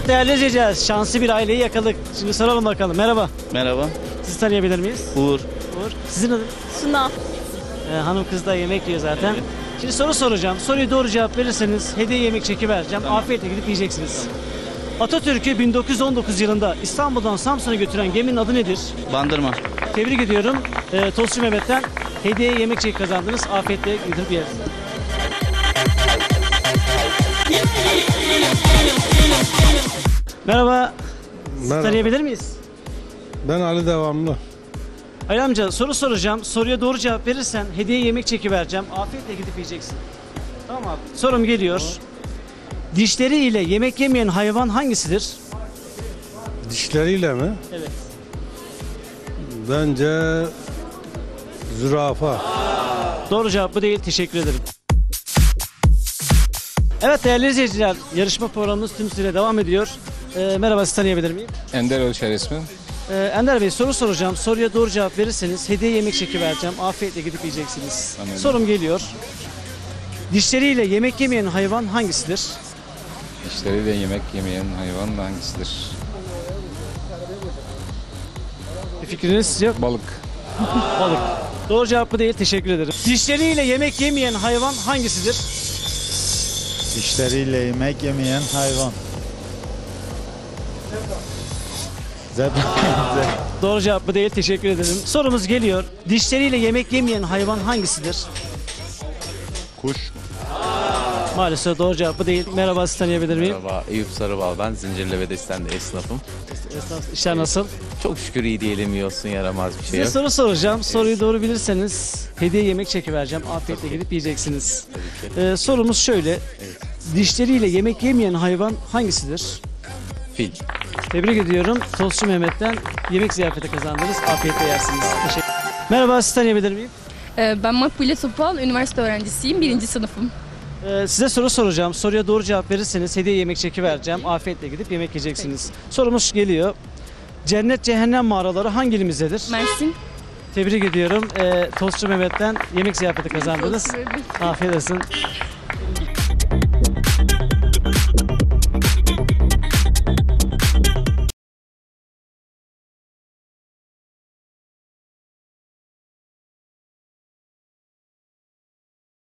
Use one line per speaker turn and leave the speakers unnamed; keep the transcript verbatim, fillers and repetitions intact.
Evet değerli izleyiciler, şanslı bir aileyi yakaladık. Şimdi soralım bakalım. Merhaba.
Merhaba.
Sizi tanıyabilir miyiz?
Uğur.
Uğur. Sizin adınız?
Suna.
Ee, hanım kız da yemek yiyor zaten.
Evet.
Şimdi soru soracağım. Soruyu doğru cevap verirseniz hediye yemek çeki vereceğim.
Tamam.
Afiyetle gidip yiyeceksiniz. Atatürk'ü bin dokuz yüz on dokuz yılında İstanbul'dan Samsun'a götüren geminin adı nedir?
Bandırma.
Tebrik ediyorum. Ee, Tostçu Mehmet'ten hediye yemek çeki kazandınız. Afiyetle gidip yersiniz. Merhaba. Sizi
Merhaba.
tanıyabilir miyiz?
Ben Ali Devamlı.
Ali amca soru soracağım. Soruya doğru cevap verirsen hediye yemek çeki vereceğim. Afiyetle gidip yiyeceksin. Tamam abi. Sorum geliyor. Dişleriyle yemek yemeyen hayvan hangisidir?
Dişleriyle mi?
Evet.
Bence zürafa.
Doğru cevap bu değil. Teşekkür ederim. Evet değerli izleyiciler, yarışma programımız tüm süre devam ediyor. Ee, merhaba, sizi tanıyabilir miyim?
Ender Ölçer ismi.
Ee, Ender Bey, soru soracağım. Soruya doğru cevap verirseniz hediye yemek çeki vereceğim. Afiyetle gidip yiyeceksiniz.
Anladım.
Sorum geliyor. Dişleriyle yemek yemeyen hayvan hangisidir?
Dişleriyle yemek yemeyen hayvan hangisidir?
Bir fikriniz yok.
Balık.
Balık. Doğru cevap bu değil. Teşekkür ederim. Dişleriyle yemek yemeyen hayvan hangisidir?
Dişleriyle yemek yemeyen hayvan. Zebra.
Doğru cevap bu değil. Teşekkür ederim. Sorumuz geliyor. Dişleriyle yemek yemeyen hayvan hangisidir?
Kuş.
Maalesef doğru cevap bu değil. Merhaba, sizi tanıyabilir miyim?
Merhaba, Eyüp Sarıbal ben. Zincirli ve Desten'de esnafım.
Esnaf, işler nasıl?
Çok şükür iyi diyelim, iyi olsun, yaramaz bir şey
Size
yok.
soru soracağım. Soruyu doğru bilirseniz hediye yemek çeki vereceğim. Afiyetle gidip yiyeceksiniz. Ee, sorumuz şöyle. Dişleriyle yemek yemeyen hayvan hangisidir?
Fil.
Tebrik ediyorum. Tostçu Mehmet'ten yemek ziyafeti kazandınız. Afiyetle yersiniz. Teşekkür. Merhaba, sizi tanıyabilir miyim?
Ee, Ben Makbule Topal, üniversite öğrencisiyim, birinci sınıfım.
Ee, size soru soracağım. Soruya doğru cevap verirseniz hediye yemek çeki vereceğim. Afiyetle gidip yemek yiyeceksiniz. Sorumuz geliyor. Cennet cehennem mağaraları hangi ilimizdedir?
Mersin.
Tebrik ediyorum. Ee, Tostçu Mehmet'ten yemek ziyafeti kazandınız.
Teşekkür ederim.
Afiyet olsun.